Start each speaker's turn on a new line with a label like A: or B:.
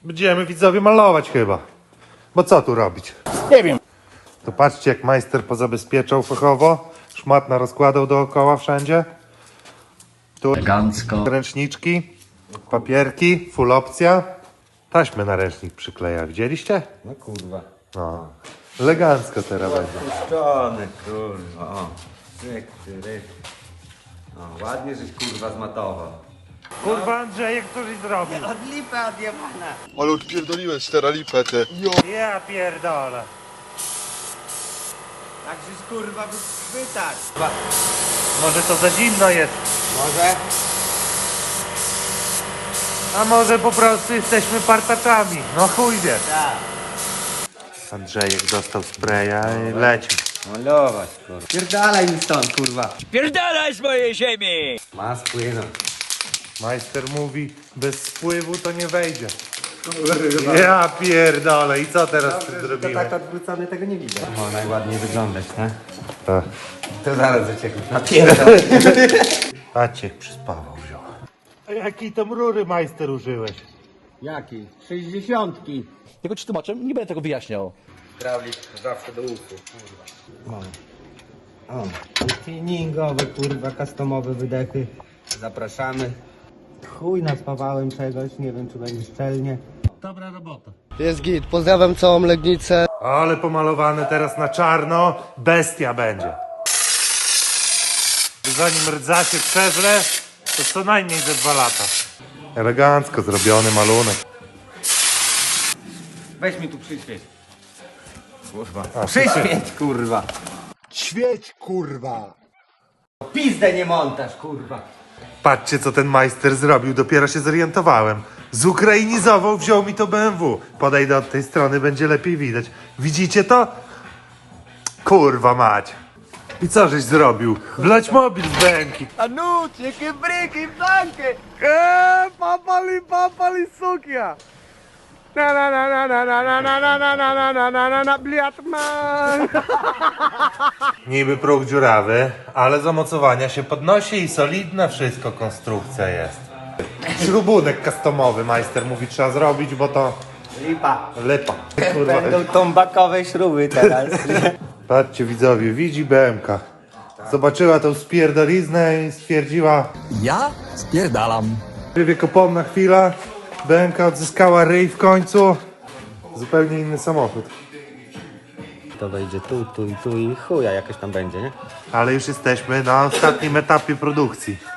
A: Będziemy widzowie malować chyba. Bo co tu robić?
B: Nie wiem.
A: To patrzcie, jak majster pozabezpieczał fachowo. Szmatna rozkładał dookoła wszędzie. Tu
B: Elegancko.
A: ręczniczki, papierki, full opcja. Taśmę na ręcznik przykleja. Widzieliście?
C: No kurwa.
A: No. Elegancko teraz będzie.
C: Puszczony, kurwa. O. Ryk, ryk. O, ładnie, żeś kurwa zmatował.
A: Kurwa Andrzejek, coś zrobił.
C: Od lipy odjebana.
D: Ale odpierdoliłem steralipę te.
A: Ja pierdolę.
C: Tak żeś kurwa wychwytać.
A: Może to za zimno jest.
C: Może?
A: A może po prostu jesteśmy partaczami. No chuj wie.
C: Tak.
A: Andrzejek dostał spraya i leci.
C: Malować, kurwa. Pierdalaj mi stąd, kurwa.
B: Pierdalaj z mojej ziemi!
C: Ma spłynąć.
A: Majster mówi, bez spływu to nie wejdzie. Ja pierdolę. I co teraz zrobimy?
C: tak odwrócony tego nie widzę. O, najładniej wyglądać, nie?
A: Tak.
C: To zaraz do ciebie napierdol.
A: Maciek przyspawał wziął. A jakiej tam rury majster użyłeś?
C: Jaki? 60.
B: Tylko ci tłumaczę, nie będę tego wyjaśniał.
C: Trawnik zawsze do usług, kurwa. O, tuningowe, kurwa, customowe wydechy. Zapraszamy. Chuj naspawałem czegoś, nie wiem czy będzie szczelnie.
A: Dobra robota.
D: Jest git, pozdrawiam całą Legnicę.
A: Ale pomalowane teraz na czarno, bestia będzie. Zanim rdza się przeżre, to co najmniej ze 2 lata. Elegancko zrobiony malunek.
C: Weź mi tu przyświeć. Kurwa. Przyświeć, kurwa.
D: Świeć, kurwa.
C: Pizdę nie montaż, kurwa.
A: Patrzcie, co ten majster zrobił, dopiero się zorientowałem. Zukrainizował, wziął mi to BMW. Podejdę od tej strony, będzie lepiej widać. Widzicie to? Kurwa mać. I co żeś zrobił? Wlać mobil z bęki.
B: A nu, jakie bryki, blanki!
A: Papali, sukia. Na na na na na na na na na na na na na na na bliatman. Niby próg dziurawy, ale z omocowania się podnosi i solidna wszystko konstrukcja jest. Śrubunek customowy majster mówi trzeba zrobić, bo to
C: Lipa.
A: lipa. Kurwa.
C: Będą tombakowe śruby teraz.
A: Patrzcie widzowie, widzi BMK. Zobaczyła tą spierdoliznę i stwierdziła,
B: Ja spierdalam.
A: wiekopomna chwila. BMK odzyskała ryj w końcu. Zupełnie inny samochód.
C: To wejdzie tu i chuja jakoś tam będzie, nie?
A: Ale już jesteśmy na ostatnim etapie produkcji.